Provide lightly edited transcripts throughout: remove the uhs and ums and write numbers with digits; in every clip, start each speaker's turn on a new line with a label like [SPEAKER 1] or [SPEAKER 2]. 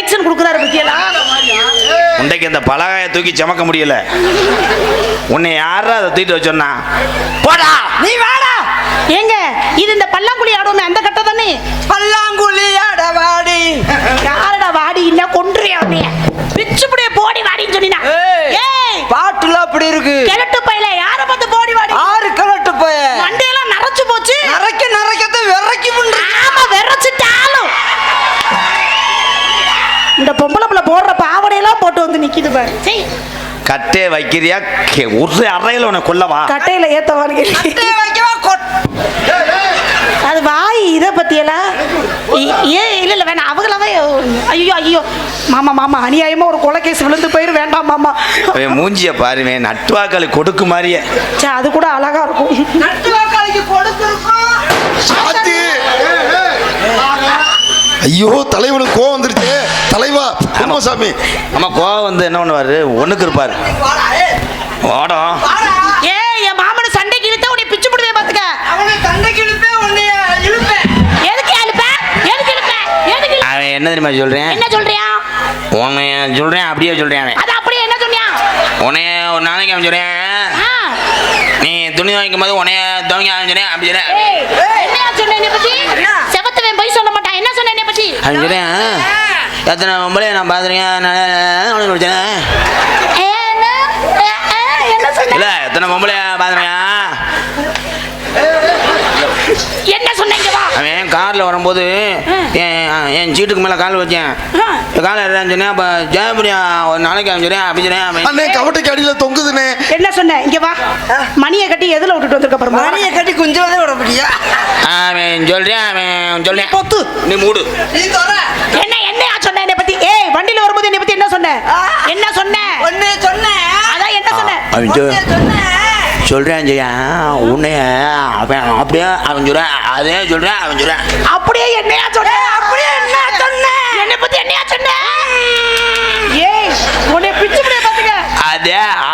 [SPEAKER 1] Reaction கொடுக்குறாரு பத்தியலா.
[SPEAKER 2] உண்டைக்கு இந்த பலகாயை தூக்கி சமக்க முடியல. உன்னை யாரா அதை தூக்கிட்டு வச்சோன்னா போடா
[SPEAKER 1] நீ வாடா. ஏங்க இது இந்த பல்லாங்குழி ஆடுவோமே அந்த கட்ட தானே?
[SPEAKER 3] பல்லாங்குழி ஆட வாடி.
[SPEAKER 1] யாரடா வாடி இல்ல கொன்றியா நீ? பிச்சுப்படியே போடி வாடின்னு சொன்னா. ஏய்
[SPEAKER 3] பாட்டுல அப்படி இருக்கு.
[SPEAKER 1] கிழட்டு பையில யார பார்த்து போடி வாடி?
[SPEAKER 3] ஆறு கிழட்டு போய்
[SPEAKER 1] மண்டையெல்லாம் நரைச்சு போச்சு.
[SPEAKER 3] நரைக்கத்தை விரைக்கி பண்ற.
[SPEAKER 1] ஆமா விரைச்சிட்டாலும் இந்த பொம்பளை புள்ள போடுற பாவடையெல்லாம் போட்டு வந்து நிக்குது பாரு. சீ
[SPEAKER 2] கட்டே வைக்கிறியா ஒரு அறையில உன்னை கொல்லவா?
[SPEAKER 1] கட்டையில ஏத்தவான்னு
[SPEAKER 3] வைக்கவா
[SPEAKER 1] அது வாய் இதை பத்தியெல்லாம் ஏன் இல்ல இல்ல வேணாம் அவங்களாவே. ஐயோ ஐயோ மாமா மாமா அநியாயமா ஒரு கொலை கேஸ் விழுந்து போயிரு வேண்டாம் மாமா.
[SPEAKER 2] மூஞ்சிய பாருவேன் நட்டுவாக்களி கொடுக்கு மாதிரியே.
[SPEAKER 1] சே அது கூட அழகா இருக்கும்.
[SPEAKER 3] நட்டுவாக்காளிக்கு கொடுத்துருக்கோம்.
[SPEAKER 4] ஐயோ தலைவனுக்கு கோவம் வந்துருச்சு. தலைவா குமாசாமி
[SPEAKER 2] ஆமா கோவம் வந்து என்ன பண்ணுவாரு ஒண்ணுக்கு இருப்பாரு. ஓடம்
[SPEAKER 1] ஏ என் மாமனை சண்டைக்கு இழுத்தா உன்னை பிச்சு போடுவே பாத்துக்க.
[SPEAKER 3] அவனை சண்டைக்கு இழுப்பேன் உன்னை இழுப்பேன்.
[SPEAKER 1] எதுக்கு இழுப்பேன்? எதுக்கு இழுப்பேன்? எதுக்கு?
[SPEAKER 2] அவன் என்ன தெரியுமா சொல்றேன்?
[SPEAKER 1] என்ன சொல்றியா?
[SPEAKER 2] உன்னை சொல்றேன் அப்படியே சொல்றேன். அவன்
[SPEAKER 1] அது அப்படியே என்ன சொன்னியா?
[SPEAKER 2] உன்னைய ஒரு நாளைக்கு அவன் சொல்றேன் நீ துணி வாங்கிக்கும் போது உன்னைய துவங்க அவன் சொல்றேன் அப்படி சொல்றேன்.
[SPEAKER 1] என்னையா சொன்ன என்னை பத்தி? செவத்தவன் போய் சொல்ல மாட்டான். என்ன சொன்ன என்னை பத்தி?
[SPEAKER 2] அவன் சொல்றேன் எத்தனை பொம்பளை நான் பாத்துருக்கேன்
[SPEAKER 1] என்ன சொன்ன?
[SPEAKER 2] இல்ல எத்தனை பொம்பளை பாத்துருக்கேன்.
[SPEAKER 1] என்ன சொன்னீங்க வா?
[SPEAKER 2] அவன் கார்ல வரும்போது என் சீட்டுக்கு மேல கால் வச்சேன். கால சொன்னேன் அப்ப ஜெயபிரியா ஒரு நாளைக்கு அவன் சொல்றேன் அப்படி சொல்றேன்.
[SPEAKER 4] அண்ணே கவட்டைக்கு அடியில தொங்குதுனே.
[SPEAKER 1] என்ன சொன்ன? இங்க வா. மணியை கட்டி எதுல விட்டுட்டு வந்திருக்க பாரு.
[SPEAKER 3] மணியை கட்டி குஞ்சவதே விட முடியா?
[SPEAKER 2] அவன் சொல்றேன் அவன் சொல்றேன்
[SPEAKER 1] பொத்து
[SPEAKER 2] நீ மூடு.
[SPEAKER 3] நீ தோற
[SPEAKER 1] என்ன என்னையா சொன்ன என்னை பத்தி? ஏய் வண்டியில வரும்போது என்னை பத்தி என்ன சொன்ன? என்ன சொன்ன?
[SPEAKER 3] ஒண்ணே சொன்னேன்.
[SPEAKER 1] அதான் என்ன சொன்ன?
[SPEAKER 2] அவன்
[SPEAKER 3] சொன்னேன்
[SPEAKER 2] சொல்றேன் ஜெயா உன்னைய அவன் அப்படியே அவன் சொல்றேன் அதே சொல்றேன் அவன் சொல்றேன்
[SPEAKER 1] அப்படியே என்னையா சொன்ன? அப்படியே என்ன சொன்ன? என்னை பத்தி என்னையா சொன்ன? ஏய் உன்னை பிச்சு பிடிய பாத்துக்க.
[SPEAKER 2] அதே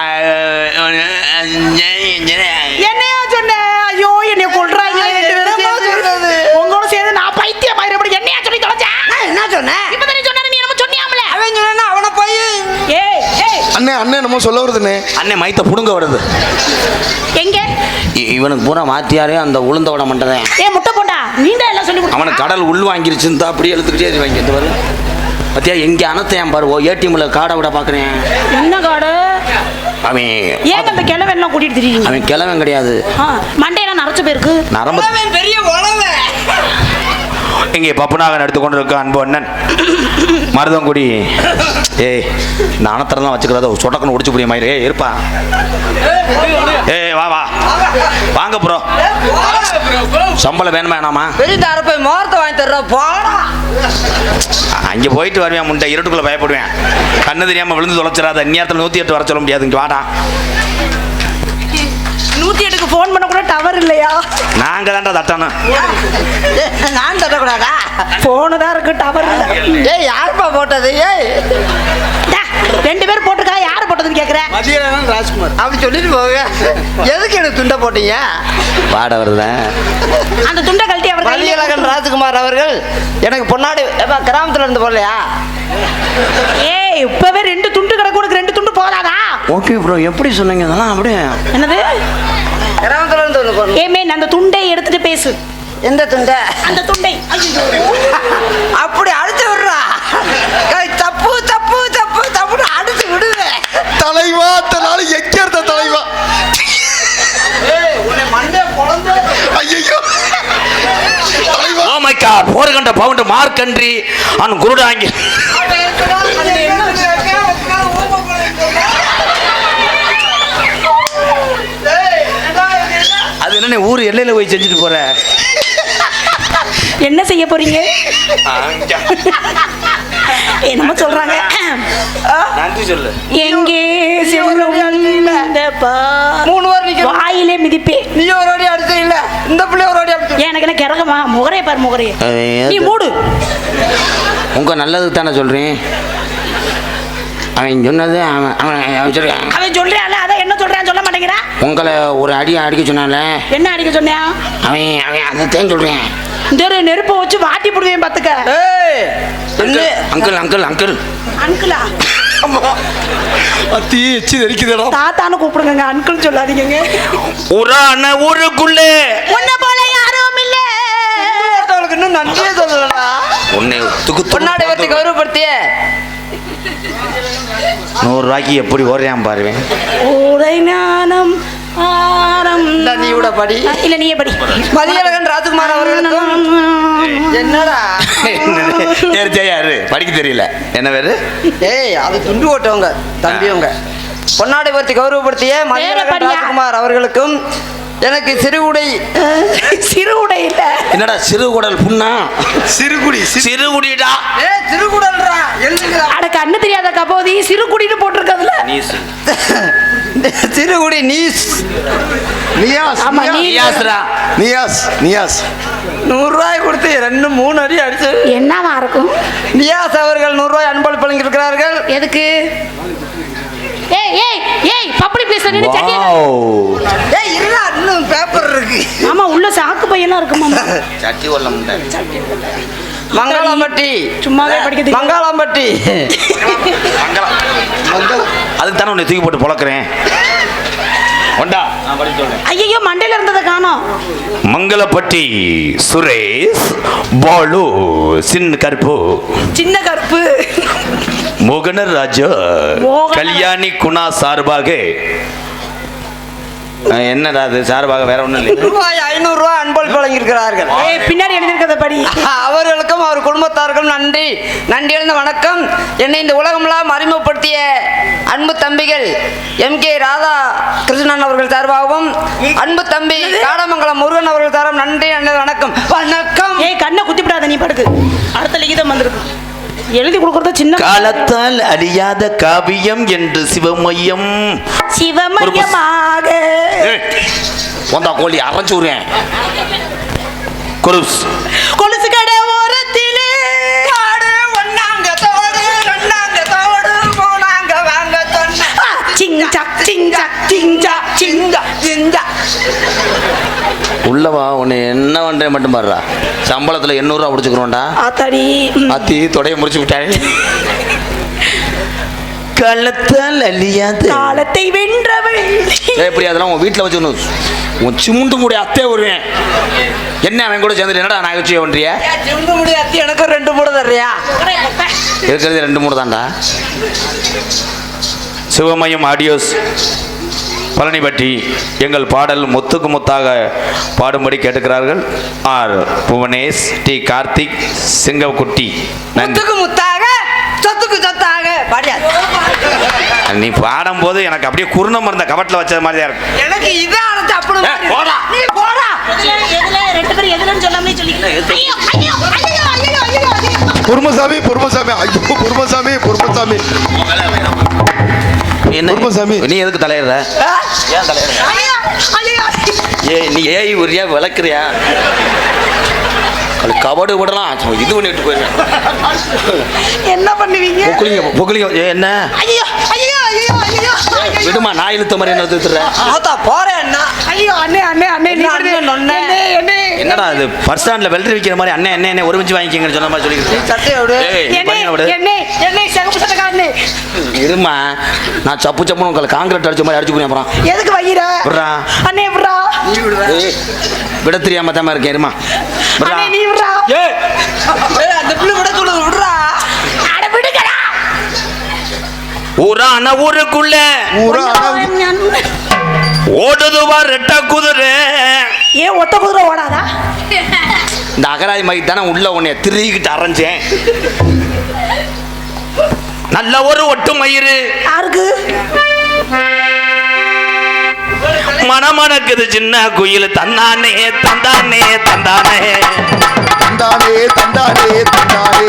[SPEAKER 1] என்னையா சொன்ன? ஐயோ என்னைய கொல்றாங்க ரெண்டு பேரும் சேர்ந்து. உங்களோட சேர்ந்து நான் பைத்தியம் ஆயிரப்படி என்னையா சொல்லி தொலைச்சேன்?
[SPEAKER 3] என்ன சொன்னேன்?
[SPEAKER 1] இப்ப தானே சொன்ன நீ நம்ம சொன்னியாமல.
[SPEAKER 3] அவன் சொன்னா அவனை போய்
[SPEAKER 1] ஏய் ஏய்
[SPEAKER 4] அண்ணே அண்ணே நம்ம சொல்ல வருதுனே.
[SPEAKER 2] அண்ணே மைத்த புடுங்க வருது.
[SPEAKER 1] எங்க
[SPEAKER 2] இவனுக்கு பூரா மாத்தியாரே அந்த உளுந்த விட மாட்டேன்.
[SPEAKER 1] ஏய் முட்டை போண்டா நீண்டா எல்லாம் சொல்லி கொடுத்து.
[SPEAKER 2] அவனுக்கு கடல் உள் வாங்கிருச்சுன்னு அப்படியே எழுத்துக்கிட்டே வாங்கி இந்த வரும் பத்தியா எங்க அனத்தையான் பாரு ஏடிஎம்ல காடை விட பாக்குறேன்.
[SPEAKER 1] என்ன காடு?
[SPEAKER 2] அவன்
[SPEAKER 1] ஏன் அந்த கிழவன் எல்லாம் கூட்டிட்டு திரியுங்க?
[SPEAKER 2] அவன் கிழவன் கிடையாது.
[SPEAKER 1] மண்டையெல்லாம் நரைச்சு போயிருக்கு.
[SPEAKER 2] நரம்பு
[SPEAKER 3] அவன் பெரிய உழவை.
[SPEAKER 2] இங்கே பப்புனாகன் எடுத்துக்கொண்டிருக்க அன்பு அண்ணன் மருதங்குடி. ஏய் இந்த அனத்தரெல்லாம் வச்சுக்கிறத சொடக்குன்னு உடிச்சு புரிய மாதிரி இருப்பா. ஏய் வா வா வாங்க ப்ரோ சம்பளம் வேணுமா வேணாமா?
[SPEAKER 3] பெரிய தரப்பை மோரத்தை வாங்கி தர்ற போடா.
[SPEAKER 2] அங்கே போயிட்டு வருவேன் முண்டை இருட்டுக்குள்ள பயப்படுவேன். கண்ணு தெரியாம விழுந்து தொலைச்சிடாத. நேரத்தில் 108 வர சொல்ல முடியாது. இங்கே வாடா
[SPEAKER 1] 108க்கு ஃபோன் பண்ண கூட டவர் இல்லையா?
[SPEAKER 2] நாங்க தான்டா தட்டணும்.
[SPEAKER 3] நான் தட்டக்கூடாதா?
[SPEAKER 1] போனு தான் இருக்கு டவர் இல்ல.
[SPEAKER 3] ஏய் யாருப்பா போட்டது? ஏய்
[SPEAKER 1] ரெண்டு பேரும் போட்டுக்கா யாரு போட்டதுன்னு கேக்குறேன்.
[SPEAKER 3] மதியம் ராஜ்குமார் அப்படி சொல்லிட்டு போங்க. எதுக்கு எனக்கு துண்டை போட்டீங்க?
[SPEAKER 2] வாட வருத
[SPEAKER 1] அந்த துண்டை கழட்டி அவர்
[SPEAKER 3] மதியழகன் ராஜ்குமார் அவர்கள் எனக்கு பொன்னாடி கிராமத்துல இருந்து போடலையா?
[SPEAKER 1] ஏய் இப்பவே 2 துண்டு கிடக்கு. உனக்கு 2 துண்டு போதாதா?
[SPEAKER 2] ஓகே ப்ரோ எப்படி சொன்னீங்க அதெல்லாம் அப்படியே
[SPEAKER 1] என்னது?
[SPEAKER 3] கிராமத்துல இருந்து ஒன்று போடணும்.
[SPEAKER 1] ஏமே அந்த துண்டை எடுத்துட்டு பேசு.
[SPEAKER 3] எந்த துண்டை?
[SPEAKER 1] அந்த துண்டை.
[SPEAKER 3] அப்படி அடிச்சு விடுறா. தப்பு தப்பு தப்பு தப்புன்னு அடிச்சு விடுவேன்.
[SPEAKER 4] தலைவா தனால எக்கேர்த தலைவா.
[SPEAKER 3] உன்னை மண்டே பொளந்து.
[SPEAKER 4] ஐயோ தலைவா.
[SPEAKER 2] ஓ மை காட் 400 பவுண்ட் மார்க்கன்றி அவன் குருடாங்கி. அது என்ன ஊர் எல்லையில போய் செஞ்சுட்டு போற?
[SPEAKER 1] என்ன செய்ய போறீங்க? என்னமோ சொல்றாங்க.
[SPEAKER 2] நன்றி சொல்லு.
[SPEAKER 1] எங்கே
[SPEAKER 3] மூணு வாரம் நிக்க
[SPEAKER 1] வாயிலே மிதிப்பே.
[SPEAKER 3] நீ ஒரு அடி அடிச்ச இல்ல இந்த பிள்ளை ஒரு அடி அடிச்சு.
[SPEAKER 1] எனக்கு என்ன கிறகமா? முகரைய பாரு முகரைய. நீ மூடு.
[SPEAKER 2] உங்க நல்லதுக்கு தானே சொல்றேன். அவன் சொன்னது அவன் சொல்றான்.
[SPEAKER 1] அவன் சொல்றான்ல அதான் என்ன சொல்றான் சொல்ல மாட்டேங்கிறான்.
[SPEAKER 2] உங்களை ஒரு அடி அடிக்க சொன்னால.
[SPEAKER 1] என்ன அடிக்க சொன்னியா?
[SPEAKER 2] அவன் அவன் அதைத்தான் சொல்றேன்.
[SPEAKER 1] இந்த நெருப்பை வச்சு வாட்டி போடுவேன் பாத்துக்க.
[SPEAKER 3] ஏய் என்ன
[SPEAKER 2] அங்கிள் அங்கிள் அங்கிள்
[SPEAKER 1] அங்கிளா
[SPEAKER 4] அத்தி எச்சி தெரிக்குதுடா.
[SPEAKER 1] தாத்தான்னு கூப்பிடுங்க அங்கிள் சொல்லாதீங்க.
[SPEAKER 2] உரான ஊருக்குள்ளே
[SPEAKER 1] உன்னை போல யாரும் இல்ல.
[SPEAKER 3] அவளுக்கு இன்னும் நன்றியே சொல்லலடா.
[SPEAKER 2] உன்னை
[SPEAKER 3] பொன்னாடை பத்தி கௌரவப்படுத்திய
[SPEAKER 2] 100 ரூபாய்க்கு எப்படி ஓடுறான் பாருவேன்.
[SPEAKER 1] உரை ஞானம் ஆரம்.
[SPEAKER 3] நீ கூட படி.
[SPEAKER 1] இல்ல நீயே படி.
[SPEAKER 3] மதியழகன் ராஜ்குமார் அவர்களுக்கும் என்னடா
[SPEAKER 2] யாரு படிக்க தெரியல என்ன பேரு?
[SPEAKER 3] ஏய் அது துண்டு ஓட்டவங்க தம்பியவங்க. பொன்னாடை பத்தி கௌரவப்படுத்திய மதியழகன்
[SPEAKER 1] படியா.
[SPEAKER 3] ராஜ்குமார் அவர்களுக்கும் எனக்கு சிறுகுடை
[SPEAKER 1] சிறு உடை இல்ல.
[SPEAKER 2] என்னடா சிறுகுடல் புண்ணா?
[SPEAKER 4] சிறுகுடி
[SPEAKER 2] சிறுகுடிடா.
[SPEAKER 3] சிறுகுடல்ரா எழுதுங்கடா.
[SPEAKER 1] அட கண்ணு தெரியாத கபோதி சிறு குடின்னு போட்டிருக்கதுல.
[SPEAKER 3] சிறுகுடி நீஸ்
[SPEAKER 4] நியாஸ்.
[SPEAKER 1] ஆமா, நீ-
[SPEAKER 2] நியாஸ்ரா.
[SPEAKER 4] நியாஸ் நியாஸ்
[SPEAKER 3] 100 ரூபாய் கொடுத்து 2-3 அடி அடிச்சு
[SPEAKER 1] என்னவா இருக்கும்?
[SPEAKER 3] நியாஸ் அவர்கள் 100 ரூபாய் அன்பளிப்பு வழங்கியிருக்கிறார்கள்.
[SPEAKER 1] எதுக்கு? ஏய் ஏய் ஏய் பப்படி பேச நின்னு சட்டி.
[SPEAKER 2] வாவ்.
[SPEAKER 3] ஏய் இருடா இன்னும் பேப்பர் இருக்கு.
[SPEAKER 1] ஆமா உள்ள சாக்கு பையெல்லாம் இருக்கு மாமா.
[SPEAKER 2] சட்டி வல்ல முண்டை.
[SPEAKER 3] மங்காளம்பட்டி
[SPEAKER 1] சும்மாவே படிக்க தெரியும்.
[SPEAKER 3] மங்காளம்பட்டி
[SPEAKER 2] அதுக்கு தானே உன்னை தூக்கி போட்டு பொளக்குறேன். ஒண்டா நான் படிச்சு சொல்றேன்.
[SPEAKER 1] ஐயோ மண்டையில இருந்ததை காணோம்.
[SPEAKER 2] மங்களப்பட்டி சுரேஷ் பாலு சின்ன கருப்பு
[SPEAKER 1] சின்ன கருப்பு.
[SPEAKER 2] மோகனராஜா
[SPEAKER 1] மோகன-
[SPEAKER 2] கல்யாணி குணா சார்பாக என்னடா அது சார்பாக வேற ஒண்ணும் இல்லை.
[SPEAKER 3] ரூபாய் 500 ரூபாய் அன்பளிப்பு வழங்கியிருக்கிறார்கள்.
[SPEAKER 1] ஏய் பின்னாடி எழுதிருக்கத படி.
[SPEAKER 3] அவர்களுக்கும் அவர் குடும்பத்தாருக்கும் நன்றி நன்றி எழுந்த வணக்கம். என்னை இந்த உலகமெல்லாம் அறிமுகப்படுத்திய அன்பு தம்பிகள் MK ராதா கிருஷ்ணன் அவர்கள் சார்பாகவும் அன்பு தம்பி காடமங்கலம் முருகன் அவர்கள் சார்பாகவும் நன்றி நன்றி வணக்கம் வணக்கம்.
[SPEAKER 1] ஏய் கண்ணை குத்தி விடாத நீ படுக்கு. அடுத்த லிகிதம் வந்திருக்கு. எழுதி கொடுக்கறத சின்ன
[SPEAKER 2] காலத்தால் அழியாத காவியம் என்று சிவமயம்
[SPEAKER 1] சிவமயமாக
[SPEAKER 2] வந்தா கோழி அரைச்சு விடுறேன். குருஸ்
[SPEAKER 1] கொலுசு கடை ஓரத்திலே
[SPEAKER 3] ஒன்னாங்க தோடு ரெண்டாங்க தோடு மூணாங்க வாங்க சொன்ன
[SPEAKER 1] சிங்சக் சிங்சக் சிங்சக்
[SPEAKER 3] சிங்கா சிங்கா
[SPEAKER 2] உள்ளவா உன்னை என்ன பண்றேன் மட்டும் பாடுறா. சம்பளத்துல 800 ரூபா பிடிச்சுக்கிறோம்டா.
[SPEAKER 1] ஆத்தாடி.
[SPEAKER 2] அத்தி தொடைய முடிச்சு விட்டாரு. காலத்தால் அழியாத
[SPEAKER 1] காலத்தை வென்றவள்.
[SPEAKER 2] எப்படி அதெல்லாம் உன் வீட்டில் வச்சுக்கணும். உன் சிமுண்டு மூடி அத்தே வருவேன். என்ன அவன் கூட சேர்ந்துட்டு என்னடா நகைச்சுவை பண்றிய?
[SPEAKER 3] சிந்து முடியாத்தி எனக்கு 2 மூட தர்றியா?
[SPEAKER 2] இருக்கிறது 2 3 தான்டா. சிவமயம் ஆடியோஸ் பழனிப்பட்டி எங்கள் பாடல் முத்துக்கு முத்தாக பாடும்படி கேட்டுக்கிறார்கள். ஆர் புவனேஷ் டி கார்த்திக் சிங்கக்குட்டி. நன்றி.
[SPEAKER 3] முத்துக்கு முத்தாக சொத்துக்கு சொத்தாக பாடியா.
[SPEAKER 2] நீ பாடும்போது எனக்கு அப்படியே குருணம் இருந்த கவட்டில் வச்சது மாதிரி தான் இருக்கும்.
[SPEAKER 3] எனக்கு இதே அழைச்சு அப்படி
[SPEAKER 2] போடா.
[SPEAKER 3] நீ போடா.
[SPEAKER 1] எதுல ரெண்டு பேரும் எதுலன்னு சொல்லாமலே சொல்லிக்கிறேன். ஐயோ ஐயோ ஐயோ ஐயோ ஐயோ ஐயோ.
[SPEAKER 4] பொறுமசாமி பொறுமசாமி ஐயோ பொறுமசாமி பொறுமசாமி
[SPEAKER 2] என்ன
[SPEAKER 4] குருமசாமி.
[SPEAKER 2] நீ எதுக்கு தலையிடுற? ஏன் தலையிடுற?
[SPEAKER 1] ஐயோ ஐயோ.
[SPEAKER 2] நீ ஏய் உரியா விளக்குறியா? அது கபடு விடலாம் இது பண்ணிட்டு போயிருக்கேன்.
[SPEAKER 1] என்ன பண்ணுவீங்க?
[SPEAKER 2] பொக்குலிங்க என்ன
[SPEAKER 1] ஐயோ ஐயோ ஐயோ ஐயோ.
[SPEAKER 2] விடுமா நான் இழுத்த மாதிரி என்ன தூத்துறேன்.
[SPEAKER 3] ஆத்தா போறேன் அண்ணா.
[SPEAKER 1] ஐயோ அண்ணே அண்ணே அண்ணே நீ
[SPEAKER 3] என்ன அண்ணே, நொண்ணே?
[SPEAKER 1] அண்ணே அண்ணே.
[SPEAKER 2] என்னடா அது பஸ் ஸ்டாண்ட்ல வெல்ட்ரி விற்கிற மாதிரி அண்ணே அண்ணே ஒரு மிஞ்சி வாங்கிக்கங்கன்னு சொன்ன மாதிரி சொல்லிக்கிறேன்.
[SPEAKER 3] சட்டையை விடு.
[SPEAKER 1] அண்ணே அண்ணே அண்ணே சகப்பு சட்டக்காரனே.
[SPEAKER 2] இருமா நான் சப்பு சப்புன்னு உங்களுக்கு காங்கிரீட் அடிச்ச மாதிரி அடிச்சு போறேன். அப்புறம்
[SPEAKER 1] எதுக்கு வையிற?
[SPEAKER 2] விட்றா.
[SPEAKER 1] அண்ணே விட்றா.
[SPEAKER 3] நீ விடுடா.
[SPEAKER 2] ஏய், விட தெரியாம தான் இருக்கேன். இருமா விட்றா.
[SPEAKER 1] அண்ணே நீ விட்றா.
[SPEAKER 2] ஏய்
[SPEAKER 3] ஏய் அந்த பிள்ளை விட சொல்லுது விடுறா.
[SPEAKER 1] அட விடுங்கடா.
[SPEAKER 2] ஊரான ஊருக்குள்ள ஓடுதுவா ரெட்ட குதிரை.
[SPEAKER 1] ஏன் ஒத்த குதிரை ஓடாதா?
[SPEAKER 2] இந்த அகராதி மாதிரி தானே உள்ள உன்னைய திருகிட்டு அரைஞ்சேன். நல்ல ஒரு ஒட்டு மயிறு
[SPEAKER 1] யாருக்கு?
[SPEAKER 2] மணமணக்குது சின்ன குயில் தந்தானே தந்தானே தந்தானே
[SPEAKER 4] தந்தானே தந்தானே தந்தானே.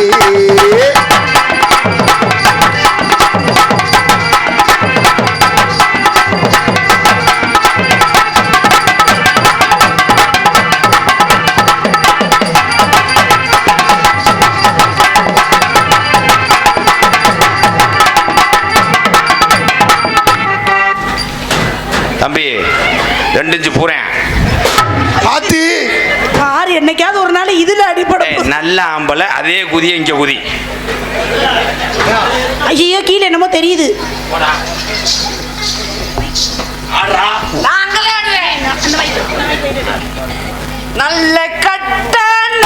[SPEAKER 2] தம்பி 2 இன்ச்சு பூரேன்.
[SPEAKER 4] ஆத்தி
[SPEAKER 1] கார் என்னைக்காவது ஒரு நாள் இதுல அடிப்படும்.
[SPEAKER 2] நல்ல ஆம்பளை அதே குதிய இங்க குதி.
[SPEAKER 1] ஐயோ கீழே என்னமோ தெரியுது.
[SPEAKER 3] நாங்களே ஆடுவேன். நல்ல கட்ட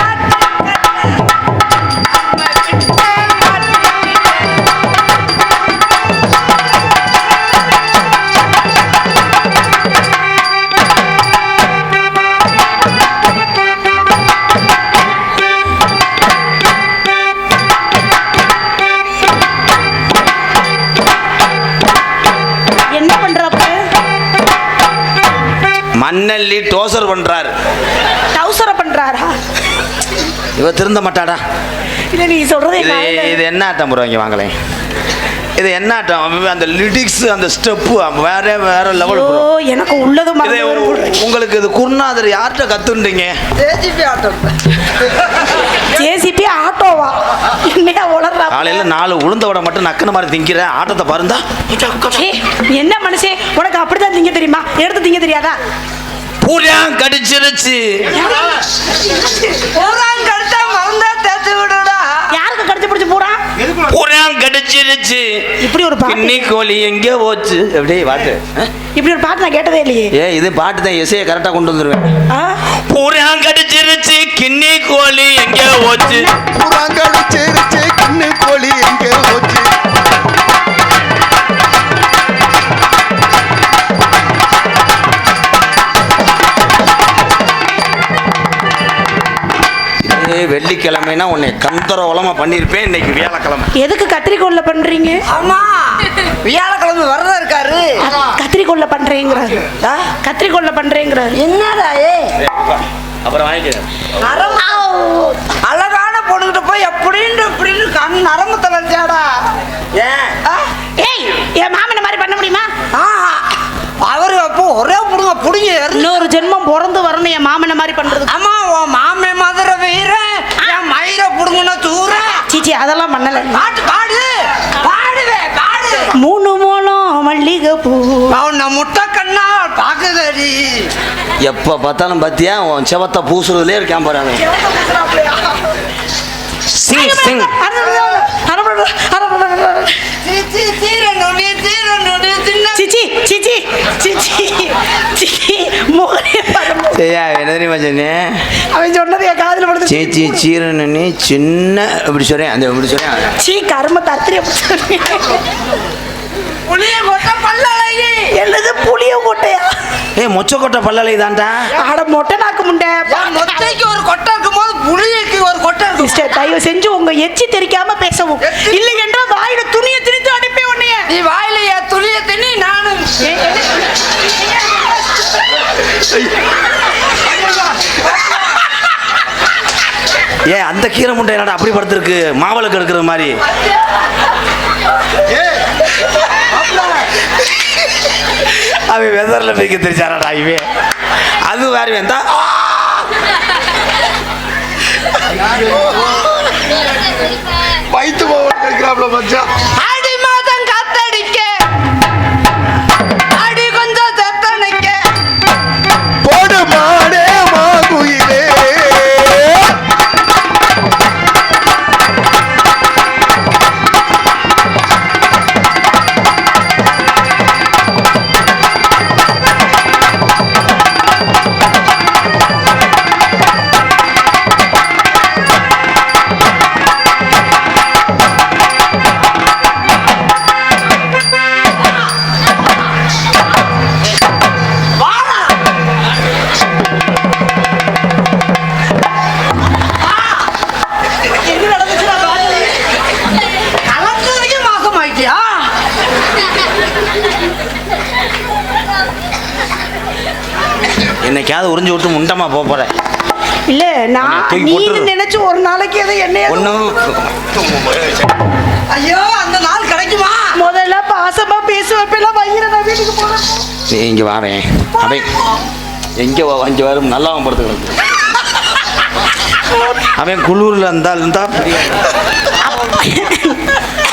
[SPEAKER 1] என்ன பண்றப்ப?
[SPEAKER 2] மண்ணல்லி டோசர் பண்றாரு.
[SPEAKER 1] டவுசர பண்றாரா?
[SPEAKER 2] இவ திருந்த மாட்டாடா.
[SPEAKER 1] இல்ல நீ சொல்றது
[SPEAKER 2] இது என்ன ஆட்டம் ப்ரோ? இங்க வாங்களேன். இது என்ன ஆட்டம்? அந்த லிரிக்ஸ் அந்த ஸ்டெப்பு வேற லெவல் ப்ரோ.
[SPEAKER 1] எனக்கு உள்ளது
[SPEAKER 2] உங்களுக்கு இது குருநாதர் யார்கிட்ட கத்துன்றீங்க?
[SPEAKER 3] ஜேசிபி ஆட்டம்.
[SPEAKER 1] ஜேசிபி ஆட்டோவா? என்னையா உளறா?
[SPEAKER 2] காலையில 4 உளுந்த வடை மட்டும் நக்கன மாதிரி திங்கிற ஆட்டத்தை பாருந்தா.
[SPEAKER 1] என்ன மனுஷன் உனக்கு அப்படிதான் திங்க தெரியுமா? எடுத்து திங்க தெரியாதா?
[SPEAKER 2] பூரா கடிச்சிருச்சு.
[SPEAKER 3] பூரான் கடிச்சா மருந்தா தேத்து விடுடா.
[SPEAKER 1] யாருக்கு கடிச்சு பிடிச்சு பூரா?
[SPEAKER 2] பூரா கடிச்சிருச்சு.
[SPEAKER 1] இப்படி ஒரு பாட்டு.
[SPEAKER 2] கிண்ணி கோழி எங்க போச்சு? அப்படியே பாட்டு.
[SPEAKER 1] இப்படி ஒரு பாட்டு நான் கேட்டதே இல்லையே.
[SPEAKER 2] இது பாட்டு தான். எஸ்ஐ கரெக்டா கொண்டு வந்துருவேன். பூரா கடிச்சிருச்சு கிண்ணி கோழி எங்க போச்சு?
[SPEAKER 4] பூரா கடிச்சிருச்சு கிண்ணி கோழி எங்க போச்சு?
[SPEAKER 2] வெள்ளிக்கிழமைனா உன்னை கந்தரவலமா பண்ணிருப்பேன். இன்னைக்கு வியாழக்கிழமை.
[SPEAKER 1] எதுக்கு கத்திரிக்கோல்ல பண்றீங்க?
[SPEAKER 3] ஆமா வியாழக்கிழமை வரதா இருக்காரு.
[SPEAKER 1] கத்திரிக்கோல்ல பண்றேங்கிறாரு. கத்திரிக்கோல்ல பண்றேங்கிறாரு.
[SPEAKER 3] என்னடா
[SPEAKER 2] அப்புறம் வாங்கிக்கிறேன்.
[SPEAKER 3] அழகான பொண்ணுகிட்ட போய் அப்படின்னு கண் நரம்பு தலைஞ்சாடா.
[SPEAKER 1] ஏய் என் மாமனை மாதிரி பண்ண முடியுமா?
[SPEAKER 3] அவரு அப்போ ஒரே புடுங்க புடிங்க.
[SPEAKER 1] இன்னொரு ஜென்மம் பிறந்து வரணும் என் மாமனை மாதிரி பண்றது.
[SPEAKER 3] ஆமா உன் மாமே மதுரை வீர என் மயிர புடுங்கன்னு தூர.
[SPEAKER 1] சீச்சி அதெல்லாம் பண்ணல.
[SPEAKER 3] பாட்டு பாடு பாடுவே பாடு.
[SPEAKER 1] 3 மூலம் மல்லிகை பூ
[SPEAKER 3] அவன் முட்டை கண்ணா பாக்குதடி.
[SPEAKER 2] எப்ப பார்த்தாலும் பாத்தியா உன் செவத்த பூசுறதுலே இருக்கான் பாரு. சிங் சிங்.
[SPEAKER 1] சிச்சி சிச்சி சிச்சி சிச்சி மோகனே பாருங்க.
[SPEAKER 2] என்ன தெரியுமா சொன்னேன்?
[SPEAKER 1] அவன் சொன்னது என் காதுல படுது.
[SPEAKER 2] சேச்சி சீரனி சின்ன இப்படி சொல்றேன். அந்த இப்படி சொல்றேன்.
[SPEAKER 1] சீ கர்ம தத்திரி
[SPEAKER 3] புளிய கொட்டை பல்லழகி.
[SPEAKER 1] என்னது புளிய கொட்டையா?
[SPEAKER 2] மொச்சக்கொட்டை பல்லலை தான்டா.
[SPEAKER 1] ஆட மொட்டை நாக்கு முண்டை.
[SPEAKER 3] மொட்டைக்கு ஒரு கொட்டை இருக்கும் போது புளியக்கு ஒரு கொட்டை இருக்கும்.
[SPEAKER 1] மிஸ்டர் தயவு செஞ்சு உங்க எச்சி தெரிக்காம பேசவும். இல்லை என்றால் வாயில துணியை திணித்து அனுப்பி உன்னைய.
[SPEAKER 3] நீ வாயில என் துணியை திணி நானும்.
[SPEAKER 2] அந்த கீரை முண்டை என்னடா அப்படி படுத்திருக்கு? மாவளுக்கு எடுக்கிற மாதிரி. அவன் வெதர்ல போய்க்க தெரிச்சாராடா இவே. அது வேற வேண்டா.
[SPEAKER 4] வயிற்று போவன் இருக்கிறாப்ல மச்சான்.
[SPEAKER 3] ஆடி மாதம் காத்தடிக்க ஆடி கொஞ்சம் செத்தனைக்க
[SPEAKER 4] போடு மாடே மாகுயிலே.
[SPEAKER 2] என்னைக்காவது உறிஞ்சு விட்டு முண்டமா போறேன்.
[SPEAKER 1] இல்ல நான் நீ நினைச்சு ஒரு நாளைக்கு எதை என்னைய
[SPEAKER 3] ஐயோ அந்த நாள் கிடைக்குமா?
[SPEAKER 1] முதல்ல பாசமா பேசுவப்ப வயிற நான் வீட்டுக்கு போறேன்.
[SPEAKER 2] நீ இங்க வாரேன். அவன் எங்க இங்க வரும் நல்லாவும் படுத்துக்கிறது. அவன் குளூர்ல இருந்தா